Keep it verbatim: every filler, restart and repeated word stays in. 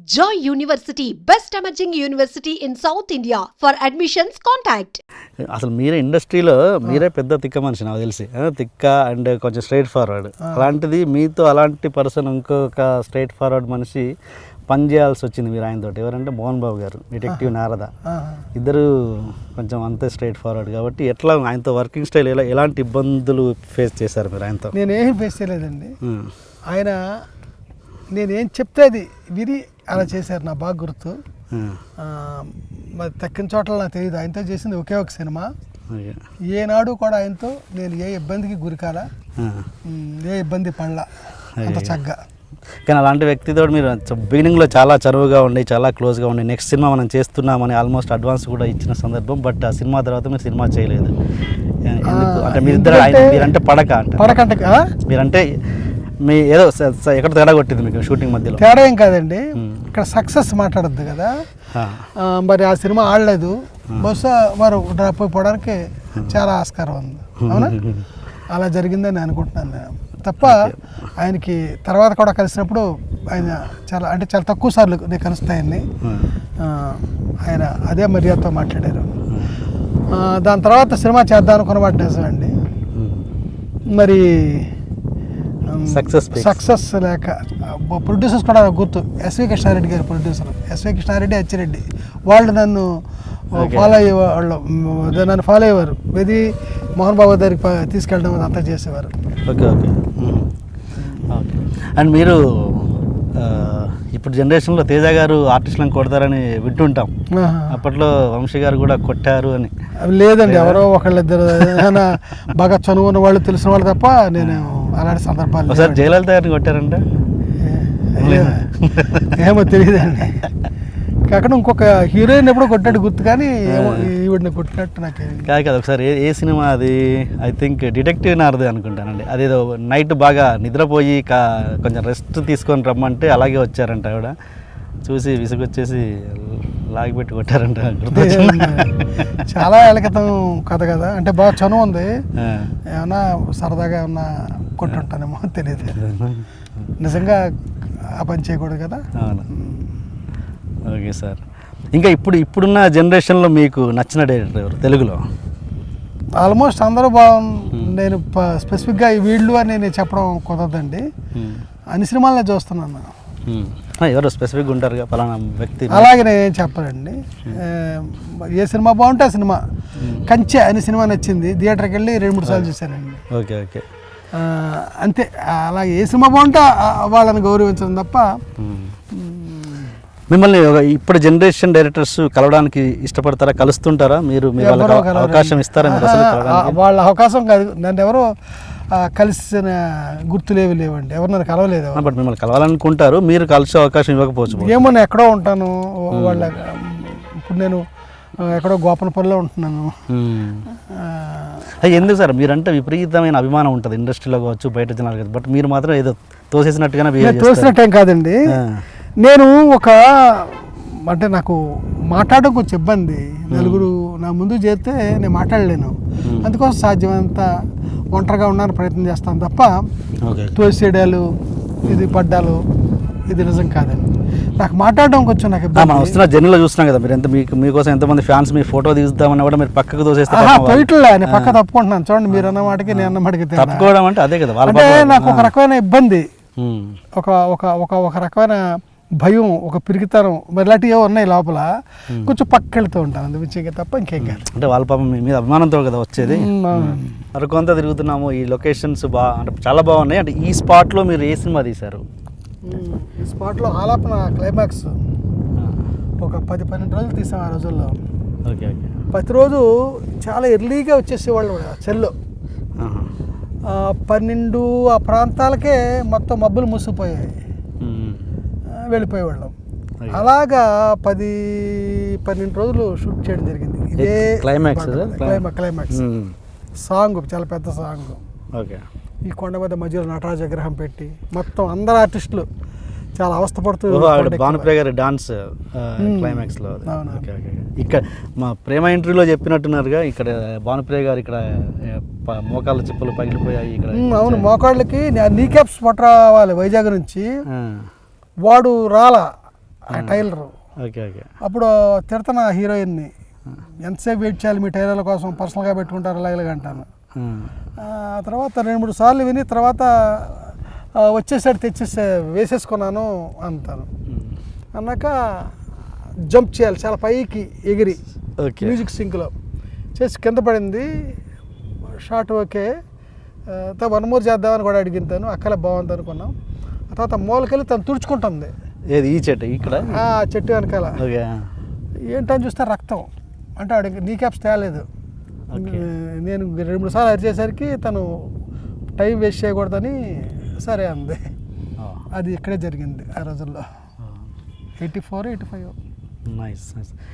Joy University, best emerging university in South India. For admissions, contact. అసలు మీరే ఇండస్ట్రీలో మీరే పెద్ద తిక్క మనిషి నాకు తెలిసి తిక్క అండ్ కొంచెం స్ట్రైట్ ఫార్వర్డ్ అలాంటిది మీతో అలాంటి పర్సన్ ఇంకొక స్ట్రైట్ ఫార్వర్డ్ మనిషి పని చేయాల్సి వచ్చింది మీరు ఆయనతో. ఎవరంటే మోహన్ బాబు గారు, డిటెక్టివ్ నారద. ఇద్దరు కొంచెం అంతే స్ట్రైట్ ఫార్వర్డ్ కాబట్టి ఎట్లా ఆయనతో వర్కింగ్ స్టైల్ ఎలా ఎలాంటి ఇబ్బందులు ఫేస్ చేశారు మీరు ఆయనతో? నేనేం ఫేస్ చేయలేదండి. ఆయన నేనేం చెప్తే అది విని అలా చేశారు. నా బాగా గుర్తు. మరి తక్కిన చోట్ల నాకు తెలియదు. ఆయనతో చేసింది ఒకే ఒక సినిమా. ఏనాడు కూడా ఆయనతో నేను ఏ ఇబ్బందికి గురికాల, ఏ ఇబ్బంది పడలా అంత చక్కగా. కానీ అలాంటి వ్యక్తితో మీరు బిగినింగ్లో చాలా చనువుగా ఉండి చాలా క్లోజ్గా ఉండి నెక్స్ట్ సినిమా మనం చేస్తున్నామని ఆల్మోస్ట్ అడ్వాన్స్ కూడా ఇచ్చిన సందర్భం. బట్ ఆ సినిమా తర్వాత మీరు సినిమా చేయలేదు. అంటే మీరిద్దరు మీరంటే పడక అంటే పడకంటే మీరంటే మీ ఏదో ఎక్కడ తేడా కొట్టింది మీకు షూటింగ్ మధ్యలో? తేడా ఏం కాదండి, ఇక్కడ సక్సెస్ మాట్లాడద్దు కదా. మరి ఆ సినిమా ఆడలేదు. బహుశా వారు డ్రాప్ అయిపోవడానికి చాలా ఆస్కారం ఉంది. అవునా? అలా జరిగిందని అనుకుంటున్నాను నేను తప్ప. ఆయనకి తర్వాత కూడా కలిసినప్పుడు ఆయన చాలా అంటే చాలా తక్కువ సార్లు నేను కలుస్తాయని ఆయన అదే మర్యాదతో మాట్లాడారు. దాని తర్వాత సినిమా చేద్దాం అనుకున్న మాట నిజమండి. మరి సక్సెస్ సక్సెస్ లేక ప్రొడ్యూసర్స్ కూడా గుర్తు. ఎస్వి కృష్ణారెడ్డి గారు ప్రొడ్యూసర్, ఎస్వి కృష్ణారెడ్డి, అచ్చిరెడ్డి వాళ్ళు నన్ను ఫాలో అయ్యేవాళ్ళు. నన్ను ఫాలో అయ్యేవారు. ఇది మోహన్ బాబు దగ్గరికి తీసుకెళ్ళడం అంతా చేసేవారు. Okay okay okay. అండ్ మీరు ఇప్పుడు జనరేషన్లో తేజ గారు ఆర్టిస్టులను కొడతారని వింటుంటాం. అప్పట్లో వంశీ గారు కూడా కొట్టారు అని. లేదండి, ఎవరో ఒకళ్ళిద్దరు బాగా చనువున్న వాళ్ళు తెలిసిన వాళ్ళు తప్ప నేను అలాంటి సందర్భాలు. ఒకసారి జయలలిత గారిని కొట్టారంటే ఏమో తెలియదండి. కాకుండా ఇంకొక హీరోయిన్ ఎప్పుడో కొట్టాడు గుర్తు, కానీ ఈవిడిని కొట్టినట్టు నాకు కాదు కదా. ఒకసారి ఏ ఏ సినిమా అది? ఐ థింక్ డిటెక్టివ్ నారదే అనుకుంటానండి. అదేదో నైట్ బాగా నిద్రపోయి కా కొంచెం రెస్ట్ తీసుకొని రమ్మంటే అలాగే వచ్చారంట. ఆవిడ చూసి విసుగొచ్చేసి లాగిపెట్టి కొట్టారంట. చాలా ఏళ్ళ క్రితం కథ కదా, అంటే బాగా చనువు ఉంది. ఏమన్నా సరదాగా ఏమన్నా కొట్టుంటానేమో తెలియదు. నిజంగా ఆ పని చేయకూడదు కదా. అవును. Okay sir. ఇంకా ఇప్పుడు ఇప్పుడున్న జనరేషన్లో మీకు నచ్చిన డైరెక్టర్ ఎవరు తెలుగులో? ఆల్మోస్ట్ అందరూ బాగుంది. నేను స్పెసిఫిక్గా వీళ్ళు అని నేను చెప్పడం కుదరదండి. అన్ని సినిమాలనే చూస్తున్నాను. ఎవరు స్పెసిఫిక్గా ఉంటారుగా పలానా వ్యక్తి? అలాగే నేను చెప్పనండి. ఏ సినిమా బాగుంటే ఆ సినిమా. కంచె అనే సినిమా నచ్చింది, థియేటర్కి వెళ్ళి రెండు మూడు సార్లు చూశానండి. ఓకే ఓకే అంతే. అలాగే ఏ సినిమా బాగుంటే వాళ్ళని గౌరవించడం తప్ప. మిమ్మల్ని ఇప్పుడు జనరేషన్ డైరెక్టర్స్ కలవడానికి ఇష్టపడతారా? కలుస్తుంటారా మీరు? మీరు అవకాశం ఇస్తారా? వాళ్ళ అవకాశం కాదు, నన్ను ఎవరో కలిసిన గుర్తులేవి లేవండి. ఎవరు నన్ను కలవలేదు. బట్ మిమ్మల్ని కలవాలనుకుంటారు, మీరు కలిసే అవకాశం ఇవ్వకపోవచ్చు. ఏమో నేను ఎక్కడో ఉంటాను. వాళ్ళ ఇప్పుడు నేను ఎక్కడో గోపనపల్లిలో ఉంటున్నాను. ఎందుకు సార్ మీరంటే విపరీతమైన అభిమానం ఉంటుంది ఇండస్ట్రీలో కావచ్చు, బయట జనాలు కావచ్చు. బట్ మీరు మాత్రం ఏదో తోసేసినట్టుగానే బిహేవ్ చేస్తారు. తోసినట్టేం కాదండి. నేను ఒక అంటే నాకు మాట్లాడడం కొంచెం ఇబ్బంది. నలుగురు నా ముందు చేస్తే నేను మాట్లాడలేను. అందుకోసం సాధ్యమంత ఒంటరిగా ఉండడానికి ప్రయత్నం చేస్తాను తప్ప తోసేయడాలు, ఇది పడ్డాలు, ఇది నిజం కాదండి. నాకు మాట్లాడడం కొంచెం నాకు ఇబ్బంది. వస్తున్న జర్నీలో చూస్తున్నాం కదా మీరు. ఎంత మీకు మీకోసం ఎంతమంది ఫ్యాన్స్ మీ ఫోటో తీద్దామని కూడా మీరు పక్కకు తోసేస్తారు. పోయిట్లే నేను పక్క తప్పుకుంటున్నాను. చూడండి, మీరు అన్న మాటకి నేను అన్న మాటకి తప్పుకోవడం అంటే అదే కదా. అంటే నాకు ఒక రకమైన ఇబ్బంది, ఒక ఒక ఒక ఒక రకమైన భయం, ఒక పిరికితనం, మరి ఇలాంటివి ఉన్నాయి లోపల. కొంచెం పక్కకి వెళ్తూ ఉంటాను అందుమించి తప్ప ఇంకేం కాదు. అంటే వాళ్ళ పాపం మీ మీద అభిమానంతో కదా వచ్చేది. మరి కొంత తిరుగుతున్నాము, ఈ లొకేషన్స్ బాగా అంటే చాలా బాగున్నాయి. అంటే ఈ స్పాట్లో మీరు ఏ సినిమా తీశారు? ఈ స్పాట్లో ఆలాపన క్లైమాక్స్ ఒక పది పన్నెండు రోజులు తీసాం ఆ రోజుల్లో. Okay okay. ప్రతిరోజు చాలా ఎర్లీగా వచ్చేసేవాళ్ళు చెల్లో. పన్నెండు ఆ ప్రాంతాలకే మొత్తం మబ్బులు మూసిపోయాయి, వెళ్ళిపోయేవాళ్ళం. అలాగా పది పన్నెండు రోజులు షూట్ చేయడం జరిగింది. ఇదే క్లైమాక్స్ క్లైమాక్స్ సాంగ్, చాలా పెద్ద సాంగ్. ఓకే. ఈ కొండ మీద మధ్యలో నటరాజ విగ్రహం పెట్టి మొత్తం అందరు ఆర్టిస్టులు చాలా అవస్థపడుతూ భానుప్రియ గారి డాన్స్ క్లైమాక్స్ లో. ఇక్కడ మా ప్రేమ ఇంటర్వ్యూలో చెప్పినట్టున్నారుగా, ఇక్కడ భానుప్రియ గారు ఇక్కడ మోకాళ్ళ చిప్పలు పగిలిపోయాయి ఇక్కడ. అవును, మోకాళ్ళకి నీ క్యాప్స్ పట్ట రావాలి వైజాగ్ నుంచి. వాడు రాలా, ఆ టైలరు. Okay okay. అప్పుడు తిడతాను ఆ హీరోయిన్ని, ఎంతసేపు వెయిట్ చేయాలి మీ టైలర్ల కోసం, పర్సనల్గా పెట్టుకుంటారు ఇలా ఇలాగ అంటాను. ఆ తర్వాత రెండు మూడు సార్లు విని తర్వాత ఆ, వచ్చేసాడు తెచ్చేసే వేసేసుకున్నాను అంటాను. అన్నాక జంప్ చేయాలి చాలా పైకి ఎగిరి ఓకే. మ్యూజిక్ సింక్లో చేసి కింద పడింది. షార్ట్ ఓకే, వన్ మోర్ చేద్దామని కూడా అడిగింతాను. అక్కలే బాగుంది అనుకున్నాం. ఆ తర్వాత మూలకెళ్ళి తను తుడుచుకుంటుంది ఏది ఈ చెట్టు ఇక్కడ ఆ చెట్టు వెనకాల. ఓకే. ఏంటని చూస్తే రక్తం. అంటే ఆడికి నీ క్యాప్స్ తేలేదు. నేను రెండు మూడు సార్లు అరిచేసరికి తను టైం వేస్ట్ చేయకూడదని సరే అంది. అది ఇక్కడే జరిగింది ఆ రోజుల్లో, eighty four eighty five nice nice.